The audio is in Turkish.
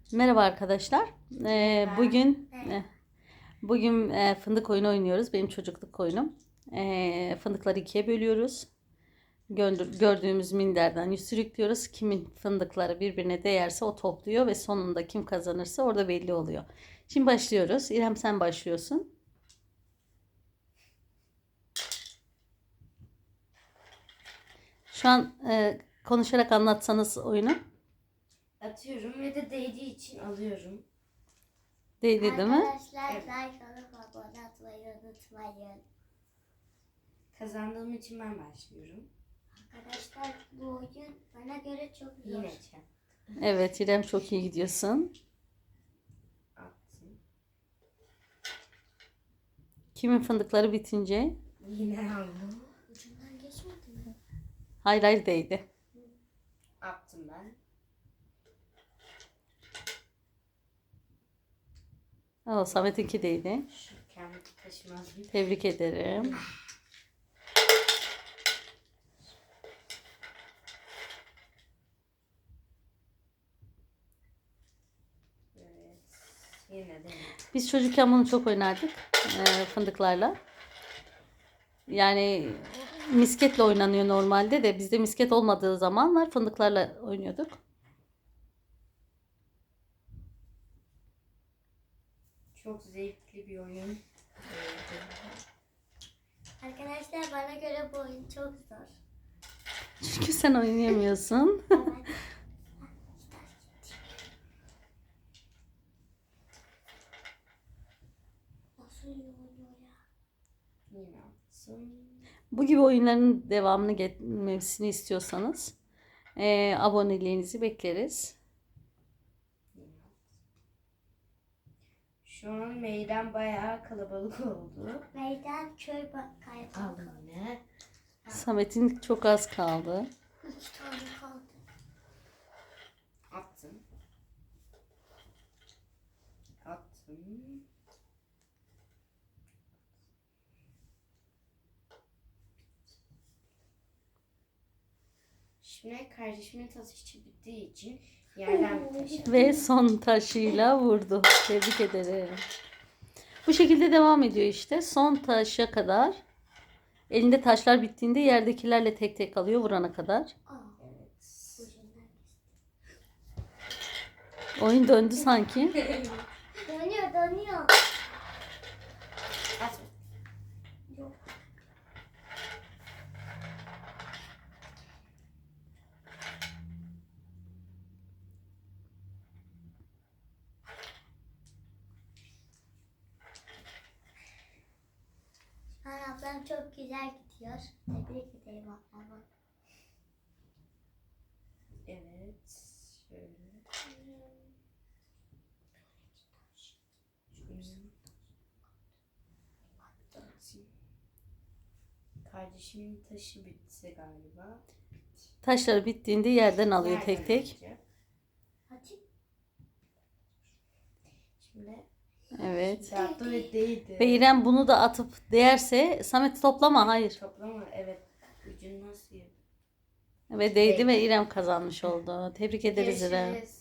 Merhaba arkadaşlar. Bugün fındık oyunu oynuyoruz. Benim çocukluk oyunum. Fındıkları ikiye bölüyoruz. Gördüğümüz minderden sürüklüyoruz. Kimin fındıkları birbirine değerse o topluyor ve sonunda kim kazanırsa orada belli oluyor. Şimdi başlıyoruz. İrem sen başlıyorsun. Şu an konuşarak anlatsanız oyunu. Atıyorum ve de değdiği için alıyorum. Değdi değil mi? Arkadaşlar like alıp abone atmayı unutmayın. Kazandığım için ben başlıyorum. Arkadaşlar bu oyun bana göre çok zor. Yine çek. Evet İrem çok iyi gidiyorsun. Attım. Kimin fındıkları bitince? Yine aldım. Ucundan geçmedi mi? Hayır değdi. Attım ben. Samet'inki değdi. Şu kendi taşımaz bir. Tebrik ederim. Evet. Yine de. Biz çocukken bunu çok oynardık fındıklarla. Yani misketle oynanıyor normalde de bizde misket olmadığı zamanlar fındıklarla oynuyorduk. Çok zevkli bir oyun. Arkadaşlar bana göre bu oyun çok zor. Çünkü sen oynayamıyorsun. Evet. Nasıl iyi oynuyor ya? Yine attım. Bu gibi oyunların devamını getirmesini istiyorsanız aboneliğinizi bekleriz. Yine attım. Şu an meydan bayağı kalabalık oldu. Meydan köy kayboldu. Aldım yine. Samet'in çok az kaldı. 3 tane kaldı. Attım. Attım. Şimdi kardeşimin taşı bittiği için yerden bir taş aldım. Ve son taşıyla vurdu. Tebrik ederim. Bu şekilde devam ediyor işte. Son taşa kadar. Elinde taşlar bittiğinde yerdekilerle tek tek alıyor vurana kadar. Evet. Ucundan geçti. Oyun döndü sanki. Dönüyor. At. Yok. Ablam çok güzel gidiyor. Tebrik ederim ablamı. Evet. Şöyle. Atayım. Kardeşimin taşı bitti galiba. Taşları bittiğinde yerden alıyor tek Nereden tek. alacak? Hadi. Şimdi Evet. attı ve değdi. Ve İrem bunu da atıp değerse Samet toplama hayır. Toplama, evet. Ucunu nasıl yap? Ve değdi ve İrem kazanmış oldu. Tebrik ederiz İrem. Görüşürüz.